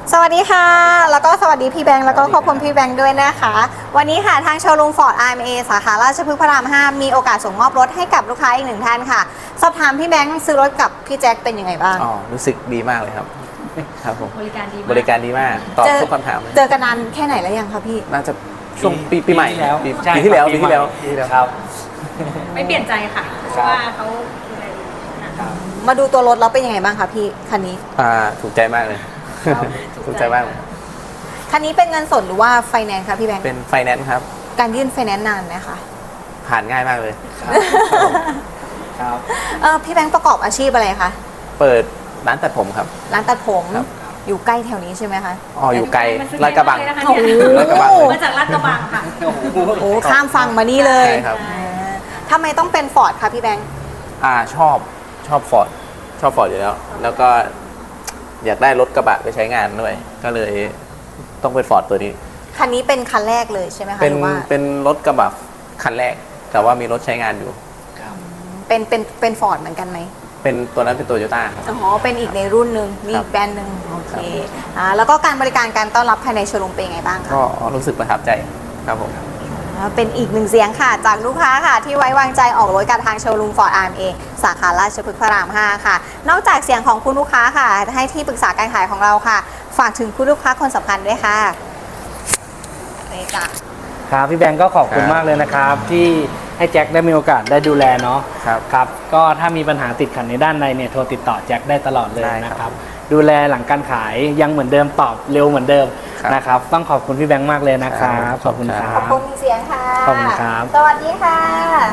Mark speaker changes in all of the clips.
Speaker 1: สวัสดีค่ะแล้วก็สวัสดีพี่แบงค์แล้วก็ขอบคุณพี่แบงค์ด้วยนะคะวันนี้ค่ะทางโชว์รูมฟอร์ด RMA สาขาราชพฤกษ์พระราม 5มีโอกาสส่งมอบรถให้กับลูกค้าอีกหนึ่งท่านค่ะสอบถามพี่แบงค์ซื้อรถกับพี่แจ็คเป็นยังไงบ้าง
Speaker 2: รู้สึกดีมากเลยครับครับผม
Speaker 3: บริการดีมาก
Speaker 2: บริการดีมากตอบทุกคำถาม
Speaker 1: เจอกันนานแค่ไหนแล้วยังคะพี่
Speaker 2: น่าจะช่วงปีใหม่
Speaker 4: แล้ว
Speaker 2: ปีที่แล้ว
Speaker 4: ครับ
Speaker 3: ไม่เปลี่ยนใจค่ะเพราะว่าเขาดูแลดีนะคะ
Speaker 1: มาดูตัวรถแล้วเป็นยังไงบ้างคะพี่คันนี้
Speaker 2: ถูกใจมากเลยถูกใจมากเลย
Speaker 1: คันนี้เป็นเงินสดหรือว่าไฟแนนซ์คะพี่แบงค์
Speaker 2: เป็นไฟแนนซ์ครับ
Speaker 1: การยื่นไฟแนนซ์นานไหมคะ
Speaker 2: ผ่านง่ายมากเลย
Speaker 4: ครับ
Speaker 1: พี่แบงค์ประกอบอาชีพอะไรคะ
Speaker 2: เปิดร้านตัดผมครับ
Speaker 1: ร้านตัดผมอยู่ใกล้แถวนี้ใช่ไหมคะ
Speaker 2: อยู่ไกลลาดกระบัง
Speaker 3: ลาดกระบังมาจากลาดกระบังค่ะ
Speaker 1: โอ้ข้ามฝั่งมานี่เลย
Speaker 2: ใช่ครับ
Speaker 1: ทำไมต้องเป็นฟอร์ดคะพี่แบงค์
Speaker 2: ชอบฟอร์ดอยู่แล้วแล้วก็อยากได้รถกระบะไปใช้งานด้วยก็เลยต้องเป็นฟอร์ดตัวนี้
Speaker 1: คันนี้เป็นคันแรกเลยใช่ไหมคะ
Speaker 2: เป็นรถกระบะคันแรกแต่ว่ามีรถใช้งานอยู่
Speaker 1: เป็นฟอร์ดเหมือนกันไหม
Speaker 2: เป็นตัวนั้นเป็นโตโยต้า
Speaker 1: อ๋อเป็นอีกในรุ่นหนึ่งมีอีกแบรนด์หนึ่งโอเคแล้วก็การบริการการต้อนรับภายในโชว์รูมเป็นยังไงบ้างคะ
Speaker 2: ก็รู้สึกประทับใจครับผม
Speaker 1: เป็นอีกหนึ่งเสียงค่ะจากลูกค้าค่ะที่ไว้วางใจออกรถกับทางโชว์รูมฟอร์ด RMA สาขาราชพฤกษ์พระราม 5ค่ะนอกจากเสียงของคุณลูกค้าค่ะให้ที่ปรึกษาการขายของเราค่ะฝากถึงคุณลูกค้าคนสำคัญด้วยค่ะนี่จ้ะ
Speaker 4: ครับพี่แบงก์ก็ขอบคุณมากเลยนะครับที่ให้แจ็คได้มีโอกาสได้ดูแลเนาะครับก็ถ้ามีปัญหาติดขัดในด้านในเนี่ยโทรติดต่อแจ็คได้ตลอดเลยนะครับดูแลหลังการขายยังเหมือนเดิมตอบเร็วเหมือนเดิมนะครับต้องขอบคุณพี่แบงค์มากเลยนะครับขอบคุณครับ
Speaker 1: ขอบคุณเสียงค่ะ
Speaker 4: ขอบคุณครับ
Speaker 1: สวัสดีค่ะ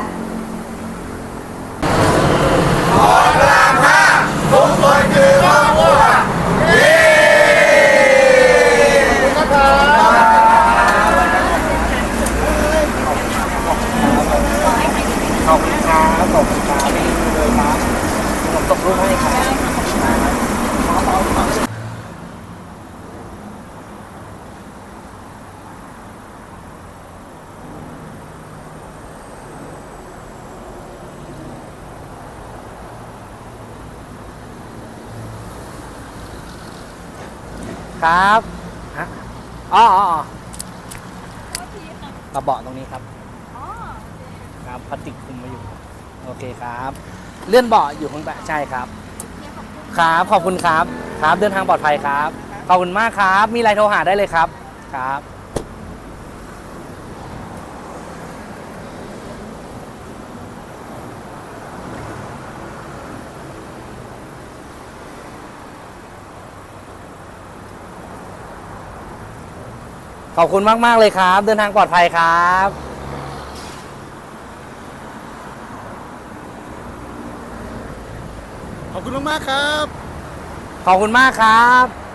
Speaker 5: พระรามห้าทุกคนคือครอบครัว
Speaker 4: ขอบคุณครับขอบคุณครับนี่เลยครับผมส่งรูปให้ครับครับฮะอ๋อกระเบาะตรงนี้ครับครับพลาสติกคุมมาอยู่โอเคครับเลื่อนเบาะอยู่ข้างใต้ใช่ครับครับขอบคุณครับครับเดินทางปลอดภัยครับขอบคุณมากครับมีอะไรโทรหาได้เลยครับครับขอบคุณมากๆเลยครับเดินทางปลอดภัยครับ
Speaker 5: ขอบคุณมากครับ
Speaker 4: ขอบคุณมากครับ